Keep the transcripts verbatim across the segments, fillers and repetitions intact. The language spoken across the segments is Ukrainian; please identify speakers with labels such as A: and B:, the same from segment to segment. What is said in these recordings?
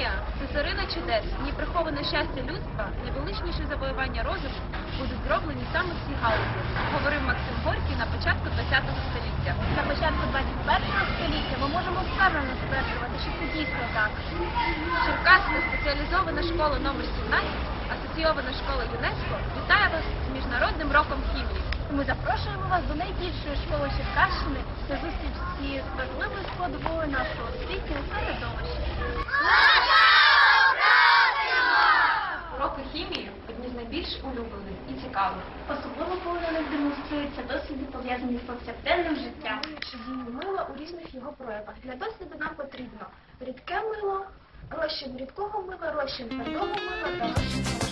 A: Хімія – це царина чудес, в ній приховане щастя людства, найвеличніші завоювання розуму будуть зроблені саме в цій галузі, говорив Максим Горький на початку ХХ століття.
B: На початку ХХ століття ми можемо впевнено стверджувати, що це дійсно так.
A: Черкаська спеціалізована школа номер сімнадцять, асоційована школа ЮНЕСКО, вітає вас з Міжнародним роком хімії.
B: Ми запрошуємо вас до найбільшої школи Черкащини на зустріч з важливою складовою нашого освітнього середовища.
A: Уроки хімії – одні з найбільш улюблених і цікавих.
B: Особливо коли на них демонструються досліди, пов'язані з повсякденним життям. Чи дію мила у різних його проявах. Для досліду нам потрібно рідке мило, розчин рідкого мила, розчин твердого мила та розчин порошку.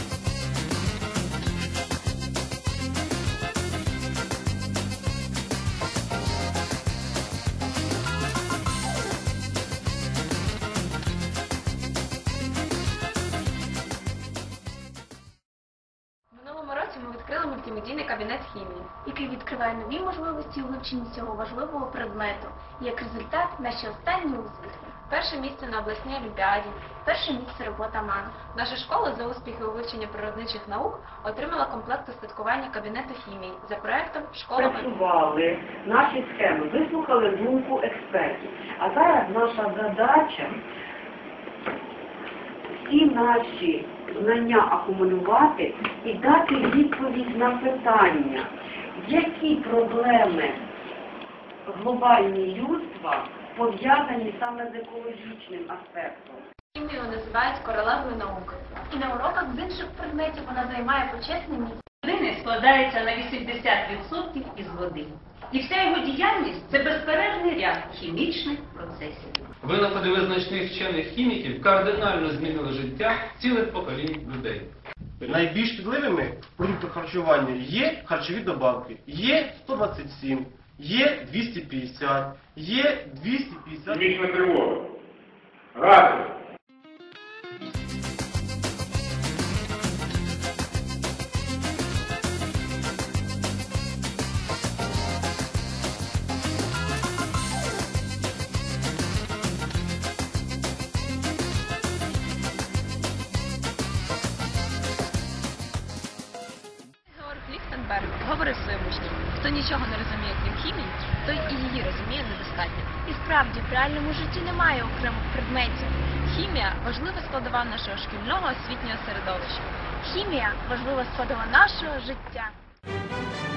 A: Минулого року ми відкрили мультимедійний кабінет хімії,
B: який відкриває нові можливості у вивченні цього важливого предмету. І як результат – наші останні успіхи.
A: перше місце на обласній олімпіаді.
B: Перше місце робота МАН.
A: Наша школа за успіхи у вивченні природничих наук отримала комплект устаткування кабінету хімії за проектом «Школа».
C: Працювали наші схеми, вислухали думку експертів. А зараз наша задача всі наші знання акумулювати і дати відповідь на питання, які проблеми глобальні людства пов'язані саме з екологічним аспектом.
A: Хімію називають королевою наук.
B: І на уроках з інших предметів вона займає почесне місце.
D: Людини складається на вісімдесят відсотків із води. І вся його діяльність – це безперервний ряд хімічних процесів.
E: Винаходи визначних вчених хіміків кардинально змінили життя цілих поколінь людей.
F: Найбільш шкідливими в продуктах харчування є харчові добавки. Є сто двадцять сім, є двісті п'ятдесят, є двісті п'ятдесят.
G: Хімічна тривога. Гази.
A: Георг Ліхтенберг говорив своїм учням, хто нічого не розуміє, крім хімії, той і її розуміє недостатньо.
B: І справді, в реальному житті немає окремих предметів.
A: Хімія – важлива складова нашого шкільного освітнього середовища.
B: Хімія – важлива складова нашого життя.